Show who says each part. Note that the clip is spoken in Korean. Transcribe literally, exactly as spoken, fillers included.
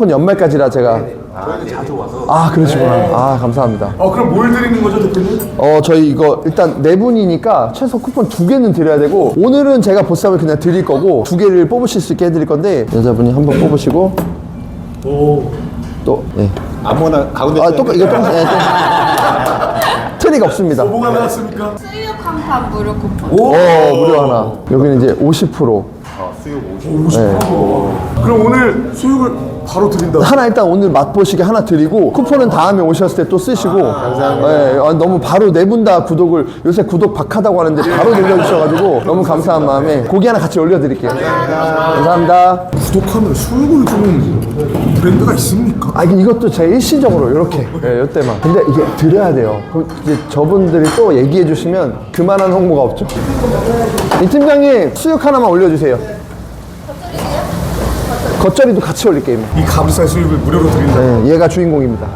Speaker 1: 쿠폰 연말까지라 제가.
Speaker 2: 저희는 자주 와서.
Speaker 1: 아, 그러시구나. 아, 감사합니다.
Speaker 3: 어, 그럼 뭘 드리는 거죠, 대표님?
Speaker 1: 어, 저희 이거 일단 네 분이니까 최소 쿠폰 두 개는 드려야 되고, 오늘은 제가 보쌈을 그냥 드릴 거고, 두 개를 뽑으실 수 있게 해드릴 건데, 여자분이 한번 뽑으시고,
Speaker 3: 오.
Speaker 1: 또, 예.
Speaker 2: 아무거나 가운데.
Speaker 1: 아, 똑같, 이거 똑같, 예, 또. 트릭 없습니다.
Speaker 3: 뭐가 나왔습니까?
Speaker 4: 수육 한 판 무료 쿠폰.
Speaker 3: 오!
Speaker 1: 어, 무료 하나. 여기는 이제 오십 퍼센트.
Speaker 2: 어, 수육 오십.
Speaker 3: 오십 퍼센트. 그럼 오늘 수육을 바로 드린다.
Speaker 1: 하나 일단 오늘 맛보시게 하나 드리고, 쿠폰은 다음에 오셨을 때 또 쓰시고. 감사합니다. 예, 아, 너무 바로 네 분 다 구독을, 요새 구독 박하다고 하는데 바로 눌러주셔가지고, 너무 감사한 마음에 고기 하나 같이 올려드릴게요. 감사합니다.
Speaker 3: 구독하면 수육을 주는 브랜드가 있습니까?
Speaker 1: 아, 이것도 제 일시적으로 이렇게, 예, 이때만. 근데 이게 드려야 돼요. 그럼 이제 저분들이 또 얘기해 주시면 그만한 홍보가 없죠. 이 팀장님, 수육 하나만 올려주세요. 겉절이도 같이 올릴게요.
Speaker 3: 이 가브살 수육을 무료로 드린다.
Speaker 1: 네, 얘가 주인공입니다.